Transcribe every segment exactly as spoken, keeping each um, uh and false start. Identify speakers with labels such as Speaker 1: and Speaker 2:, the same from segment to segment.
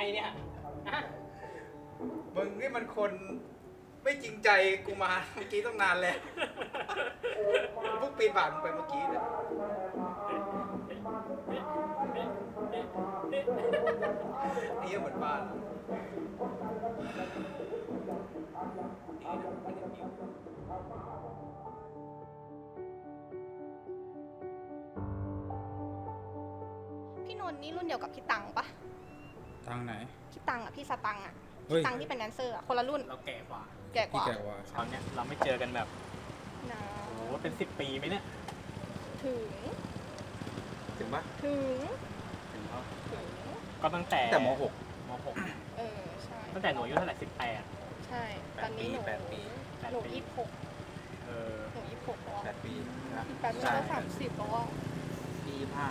Speaker 1: เนี่ยฮะ
Speaker 2: มึงนี่มันคนไม่จริงใจกูมาเมื่อกี้ต้องนานแล้วพวกปีนผ่านไปเมื่อกี้เนี่ยนี่เหมือนบ้าน
Speaker 3: พี่นนท์นี่รุ่นเดียวกับพี่ตังปะ
Speaker 2: ทางไหน
Speaker 3: พี่ตังอ่ะพี่สตังอ่ะ
Speaker 2: เฮ้ย
Speaker 3: พี่ตังที่เป็นแดนเซอร์อ่ะคนละรุ่น
Speaker 1: เราแก่กว่า
Speaker 3: แก่ก
Speaker 2: พี่
Speaker 3: ว่า
Speaker 2: แกว่า
Speaker 1: ตอนเนี้ยเราไม่เจอกันแบบ
Speaker 3: นะ
Speaker 1: โอ้โหเป็นสิบปีไหมเนี่ย
Speaker 3: ถึง
Speaker 2: ถึงปะ
Speaker 3: ถึง
Speaker 1: ถึงแล้ว
Speaker 3: ถึง
Speaker 1: ก็ตั้งแต่
Speaker 2: แต่มหก
Speaker 1: มหก
Speaker 3: เออใช่
Speaker 1: ตั้งแต่หนูอายุเท่าไหร่สิบแปด
Speaker 3: ใช่ตอนนี้หนู
Speaker 2: แปดปี
Speaker 3: หนูยี่สิบหก
Speaker 1: เออ
Speaker 3: หนูยี่สิบหกแล้ว
Speaker 2: แปดปีนะ
Speaker 3: แปดปีก็สามสิบแล้วอ่ะ
Speaker 2: ปีห้า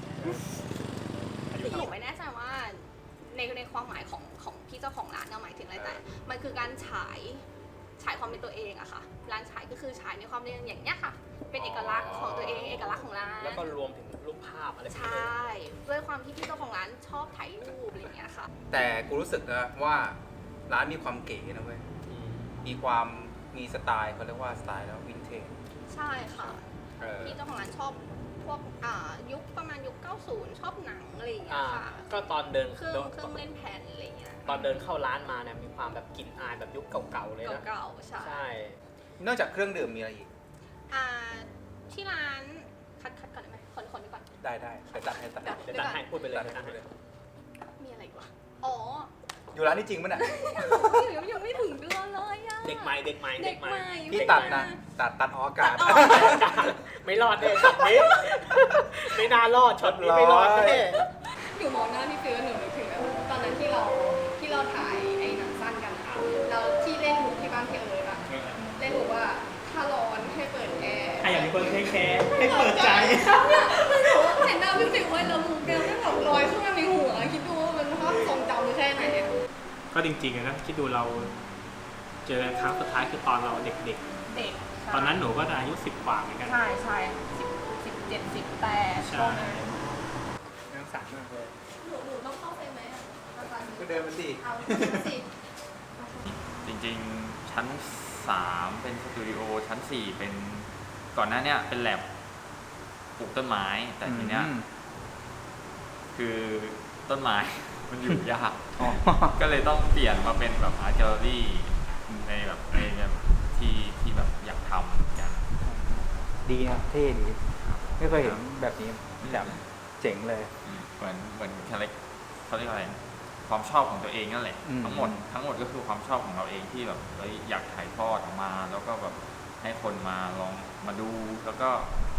Speaker 1: อายุ
Speaker 4: หนูไม่แน่ใจว่าในในความหมายของของพี่เจ้าของร้านเนี่ยหมายถึงอะไรแต่มันคือการฉายฉายความเป็นตัวเองอะค่ะร้านฉายก็คือฉายในความเป็นอย่างเนี้ยค่ะ เป็นเอกลักษณ์ของตัวเองเอกลักษณ์ของร้าน
Speaker 1: แล้วก็รวมถึงรูปภาพอะไรพวก
Speaker 4: ใช
Speaker 1: นี้ด้ว่
Speaker 4: ด้วยความที่พี่เจ้าของร้านชอบถ่ายรูปอะไรอย่างเงี้ยค่ะ
Speaker 2: แต่กูรู้สึกนะว่าร้านมีความเก๋นะเว้ย
Speaker 1: อืม
Speaker 2: มีความมีสไตล์เขาเรียกว่าสไตล์แล้ววินเทจ
Speaker 4: ใช่ค่ะ
Speaker 2: เออ
Speaker 4: พี่เจ้าของร้านชอบพวกอ่ายุคประมาณยุคเก้าสิบชอบหนังอะไรอย่างเงี้
Speaker 1: อ่าย
Speaker 4: ค่ะ
Speaker 1: ก็ตอนเดิน
Speaker 4: เครื่อง
Speaker 1: เดิน
Speaker 4: เครื่องเล่นแผ่นอะไรอย่างเงี้ย
Speaker 1: ตอนเดินเข้าร้านมาเนี่ยมีความแบบกลิ่นอายแบบยุคเก่าๆเลยนะ
Speaker 4: เก่าๆใช่
Speaker 1: ใช่
Speaker 2: นอกจากเครื่องดื่มมีอะไรอีก
Speaker 4: อ่าที่ร้านคัดคัดก่อนได้ไหมคนคนดีก่อน
Speaker 2: ได้ได้ไปตัดให้ตัดให้
Speaker 1: เดี๋ยวตัดให้พูดไปเลย
Speaker 2: ตัด
Speaker 1: เดี๋ยวตัด
Speaker 2: ให้
Speaker 1: ให้
Speaker 2: เลย
Speaker 4: มีอะไรอีกวะอ๋อ
Speaker 2: อยู่ร้านนี้จริงปะเนี่ย
Speaker 4: ยังยังไม่ถึงเดือนเลยอะ
Speaker 1: เด็กใหม่เด็กใหม่
Speaker 4: เด็กใหม่
Speaker 2: พี่ตัดนะตัดตัดออกอากาศ
Speaker 1: ไม่รอดเลยช็อตนี้ ไม่น่ารอดช็อตนี้ไม่รอดแน่
Speaker 3: หนูมองหน้าพี่ฟิวหนูนึกถึงแบบตอนนั้นที่เราที่เราถ่ายไอ้หนังสั้นกันอะเราที่เล่นหูที่บ้านพี่เอิร์ธอะเล่นหูว่าถ้าร้อนให้เปิดแอร์
Speaker 1: ใครอยากมีคนเทคแคร์ให้เปิดใจ
Speaker 3: เนี่ยคือหนูเห็นหน้าพี่ฟิวไว้แล้วมูแกไม่แบบลอยขึ้นมาในหัวคิดดูว่ามันภาพทรงจำแค่ไหนเนี่ย
Speaker 1: ก็จริงๆอะนะคิดดูเราเจอกันครั้งสุดท้ายคือตอนเราเด็ก
Speaker 3: เด็ก
Speaker 1: ๆ ตอนนั้นหนูก็อายุสิบกว่าเหมือนกัน
Speaker 3: ใช่ใช่สิบสิบเจ็ดสิบแปด
Speaker 1: ใช่
Speaker 2: ยังสั่นมากเลย
Speaker 3: หนูหนูต้องเข้าไปไหมอะอาจารย์
Speaker 2: ก็เดินมาสิ
Speaker 3: เอาสิ
Speaker 5: จริงๆ ชั้นสามเป็นสตูดิโอชั้นสี่เป็นก่อนหน้าเนี้ยเป็นแลบปลูกต้นไม้ แต่ทีเนี้ย
Speaker 2: อืม
Speaker 5: คือต้นไม้ มันอยู่ยาก
Speaker 2: อ๋อ
Speaker 5: ก็เลยต้องเปลี่ยนมาเป็นแบบอาร์ตแกลเลอรี่ในแบบในแบบที่ที่แบบอยากทำกัน
Speaker 2: ดีนะเท่ดีไม่เคยเห็นแบบนี้แบบเจ๋งเลย
Speaker 5: เหมือนเหมือนคาแรคเขาเรียกอะไรนะความชอบของตัวเองนั่นแหละ
Speaker 2: อืม
Speaker 5: ทั้งหมดทั้งหมดก็คือความชอบของเราเองที่แบบเฮ้ยอยากถ่ายทอดออกมา แล้วก็แบบให้คนมาลองมาดูแล้วก็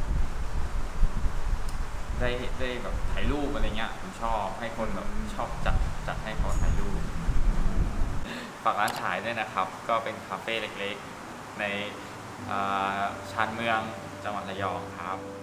Speaker 5: ได้ได้แบบถ่ายรูปอะไรเงี้ยผมชอบให้คนแบบชอบจัดจัดให้เขาถ่ายรูปฝากร้านฉายด้วยนะครับ ก็เป็นคาเฟ่เล็กๆ ในอ่าชานเมืองจังหวัดระยองครับ